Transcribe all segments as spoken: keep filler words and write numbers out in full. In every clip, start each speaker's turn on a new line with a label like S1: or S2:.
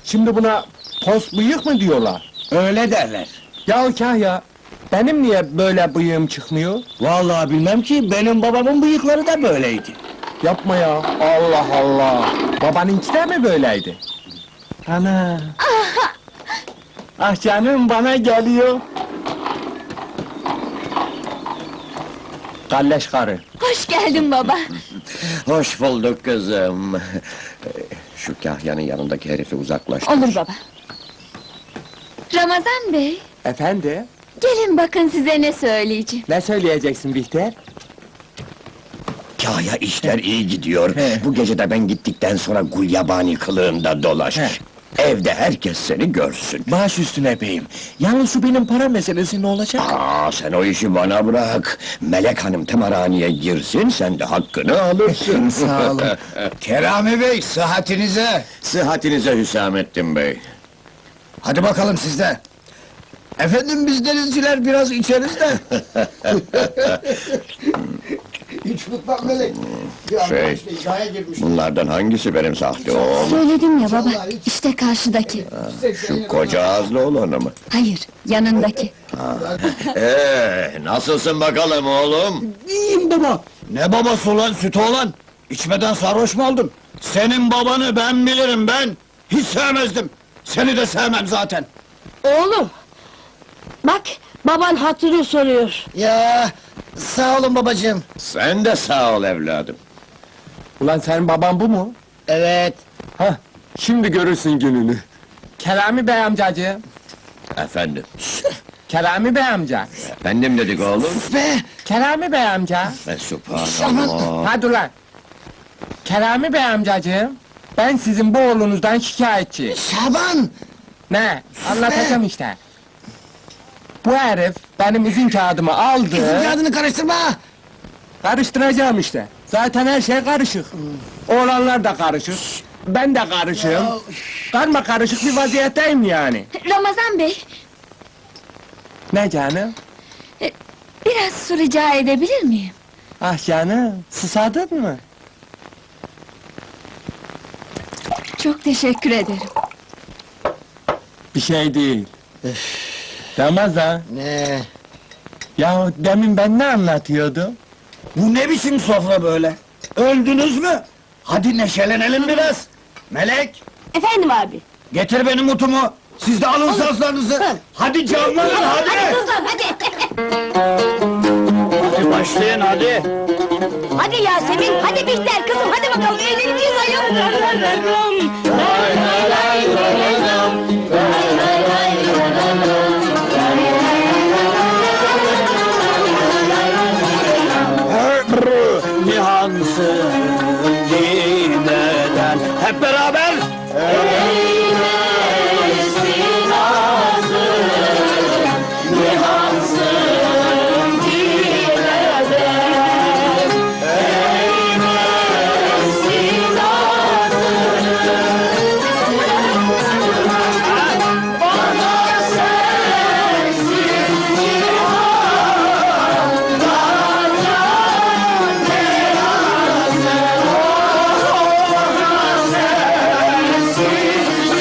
S1: Şimdi buna pos bıyık mı diyorlar?
S2: Öyle derler.
S1: Ya Kahya, benim niye böyle bıyığım çıkmıyor?
S2: Vallahi bilmem ki, benim babamın bıyıkları da böyleydi.
S1: Yapma ya, Allah Allah! Babanınki de mi böyleydi? Ana! Ah canım, bana geliyor! Kalleş karı!
S3: Hoş geldin baba.
S4: Hoş bulduk kızım. Şu Kahya'nın yanındaki herifi uzaklaştır.
S3: Olur baba. Ramazan bey,
S1: Efendi,
S3: gelin bakın size ne söyleyeceğim.
S1: ne söyleyeceksin Bihter?
S4: Kahya işler iyi gidiyor.
S1: He.
S4: Bu gece de ben gittikten sonra gulyabani kılığında dolaş.
S1: He.
S4: Evde herkes seni görsün.
S1: Baş üstüne beyim! Yalnız şu benim para meselesi ne olacak?
S4: Aa, sen o işi bana bırak. Melek Hanım tımarhaneye girsin, sen de hakkını alırsın.
S1: Sağ olun.
S2: Kerami Bey, sıhhatinize!
S4: Sıhhatinize Hüsamettin Bey.
S2: Hadi bakalım siz de! Efendim, biz denizciler biraz içeriz de! Hiç unutmam Melek! Bir
S4: Şey,
S2: arkadaşla iddiaya girmiş.
S4: Bunlardan hangisi benim sahte oğlum?
S3: Söyledim ya baba, işte karşıdaki.
S4: Şu koca ağızlı olanı mı?
S3: Hayır, yanındaki.
S4: Ee, nasılsın bakalım oğlum?
S2: İyiyim baba! Ne babası ulan, süt oğlan? İçmeden sarhoş mu oldun? Senin babanı ben bilirim, ben! Hiç sevmezdim! Seni de sevmem zaten!
S5: Oğlum! Bak, baban hatırı soruyor.
S2: Ya, sağ olun babacığım!
S4: Sen de sağ ol evladım.
S1: Ulan senin baban bu mu?
S2: Evet!
S1: Hah, şimdi görürsün gününü. Kerami Bey amcacığım,
S4: Efendim,
S1: Kerami Bey amca,
S4: efendim dedik oğlum.
S2: Be!
S1: Kerami Bey amca.
S4: Ve subhanallah.
S1: Hadi ulan! Kerami Bey amcacığım, ben sizin bu oğlunuzdan şikayetçiyim.
S2: Şaban!
S1: Ne? Anlatacağım işte. Bu herif benim izin kağıdımı aldı.
S2: İzin kağıdını karıştırma!
S1: Karıştıracağım işte. Zaten her şey karışık. Oğlanlar da karışık. Ben de karışığım. Karma karışık bir vaziyetteyim yani.
S3: Ramazan bey,
S1: Ne canım?
S3: biraz su rica edebilir miyim?
S1: Ah canım, susadın mı?
S3: Çok teşekkür ederim.
S1: Bir şey değil. Ramazan,
S2: Ne?
S1: ya demin ben ne anlatıyordum?
S2: Bu ne biçim sofra böyle? Öldünüz mü? Hadi neşelenelim biraz! Melek!
S5: Efendim abi.
S2: Getir benim utumu! Siz de alın sazlarınızı! Hadi canlanın, hadi!
S5: Kızlar, hadi!
S2: Hadi başlayın, hadi!
S5: Hadi Yasemin, hadi Bihter kızım, hadi bakalım, eğleneceğiz ayol!
S2: Nihansın gitmeden hep beraber! Eğlesin ağzın, nihansın gitmeden, eğlesin ağzın. Bana sensin nihan, bana ne lazım? Bana sensin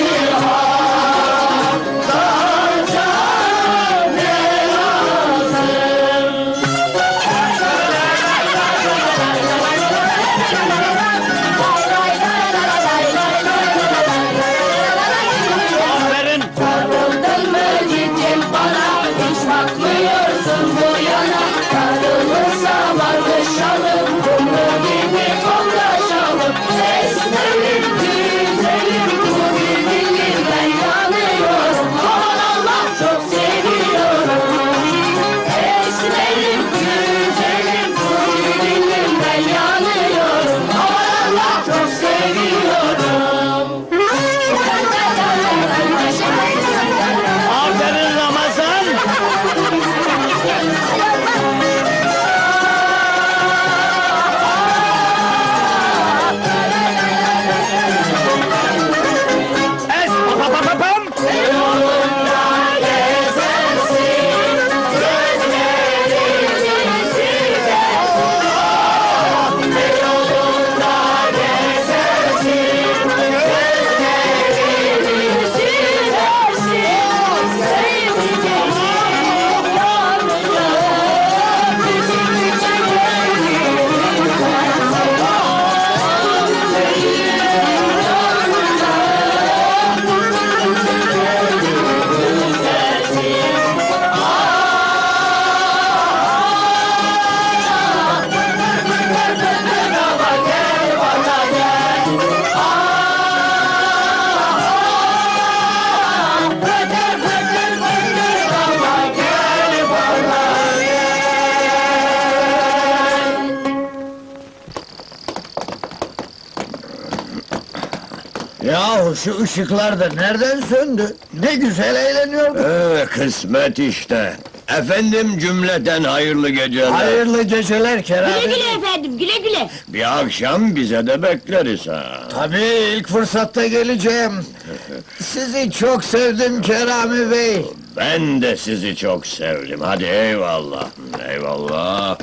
S2: Yahu şu ışıklar da nereden söndü? Ne güzel eğleniyorduk.
S4: Ee, kısmet işte. Efendim cümleten hayırlı geceler.
S2: Hayırlı geceler Kerem.
S5: Güle güle efendim, güle güle.
S4: Bir akşam bize de bekleriz ha.
S2: Tabii ilk fırsatta geleceğim. Sizi çok sevdim Kerami Bey.
S4: Ben de sizi çok sevdim. Hadi eyvallah. Eyvallah.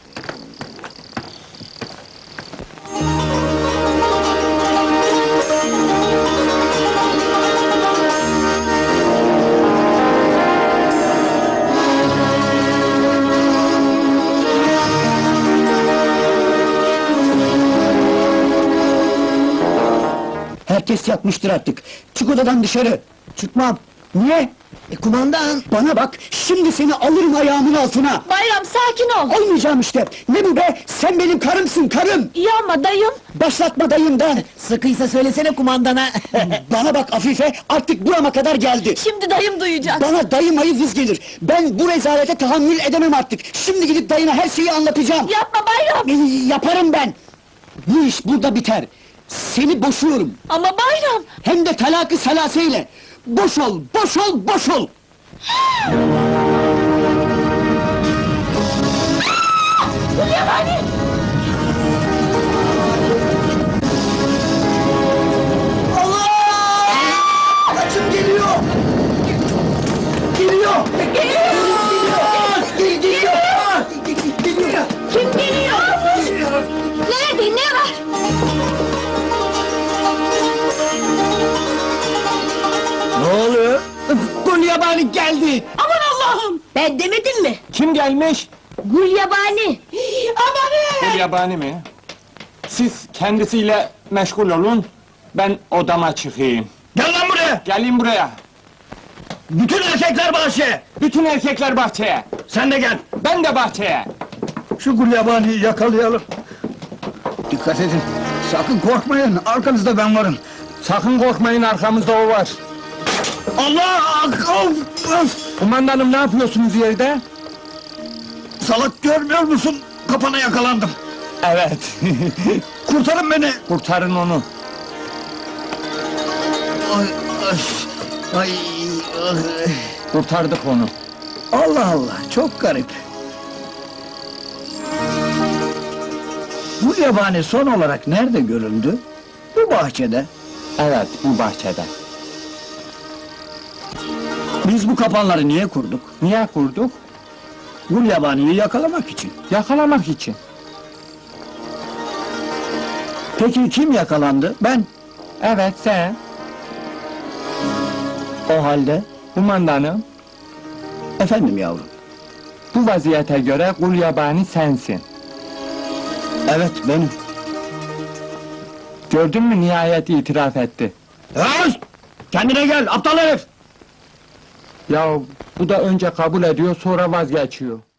S6: Herkes yatmıştır artık. Çık odadan dışarı. Çıkmam. Niye? E kumandan. Bana bak, şimdi seni alırım ayağımın altına.
S3: Bayram sakin ol.
S6: Olmayacağım işte. Ne bu be? Sen benim karımsın, karım.
S3: İyi ama dayım.
S6: Başlatma dayımdan.
S5: Sıkıysa söylesene kumandana.
S6: Bana bak Afife, artık burama kadar geldi.
S3: Şimdi dayım duyacak.
S6: Bana dayım ayı vız gelir. Ben bu rezalete tahammül edemem artık. Şimdi gidip dayına her şeyi anlatacağım.
S3: Yapma Bayram.
S6: E, yaparım ben. Bu iş burada biter. Seni boşuyorum.
S3: Ama Bayram.
S6: Hem de talakı salaseyle. Boş ol, boş ol, boş ol!
S3: Yabani.
S6: Allah! Kaçın geliyor! Geliyor! Geliyor! Geliyor! Geliyor! Geliyor!
S5: Kim geliyor? Nerede, ne var?
S2: Ne oluyor?
S6: Gulyabani geldi!
S5: Aman Allah'ım! Ben demedim mi?
S1: Kim gelmiş?
S5: Gulyabani! Amanın!
S1: Bu yabani mi? Siz kendisiyle meşgul olun, ben odama çıkayım.
S2: Gel lan buraya!
S1: Gelin buraya!
S2: Bütün erkekler bahçeye!
S1: Bütün erkekler bahçeye!
S2: Sen de gel!
S1: Ben de bahçeye!
S2: Şu Gulyabani'yi yakalayalım. Dikkat edin, sakın korkmayın, arkanızda ben varım.
S1: Sakın korkmayın, arkamızda o var.
S2: Allah! Of, of!
S1: Kumandanım, ne yapıyorsunuz yerde?
S2: Salak görmüyor musun? Kapana yakalandım.
S1: Evet,
S2: Kurtarın beni!
S1: kurtarın onu.
S2: Ay, ay, ay, ay.
S1: Kurtardık onu.
S2: Allah Allah, çok garip. Bu yabani son olarak nerede görüldü? Bu bahçede.
S1: Evet, bu bahçede.
S2: Biz bu kapanları niye kurduk?
S1: Niye kurduk?
S2: Bu yabaniyi yakalamak için.
S1: Yakalamak için.
S2: Peki kim yakalandı? Ben.
S1: Evet, sen.
S2: O halde.
S1: Kumandanım,
S2: Efendim yavrum.
S1: bu vaziyete göre kul yabani sensin.
S2: Evet benim.
S1: Gördün mü, nihayet itiraf etti.
S2: Öz! Kendine gel, aptal herif!
S1: Ya bu da önce kabul ediyor, sonra vazgeçiyor.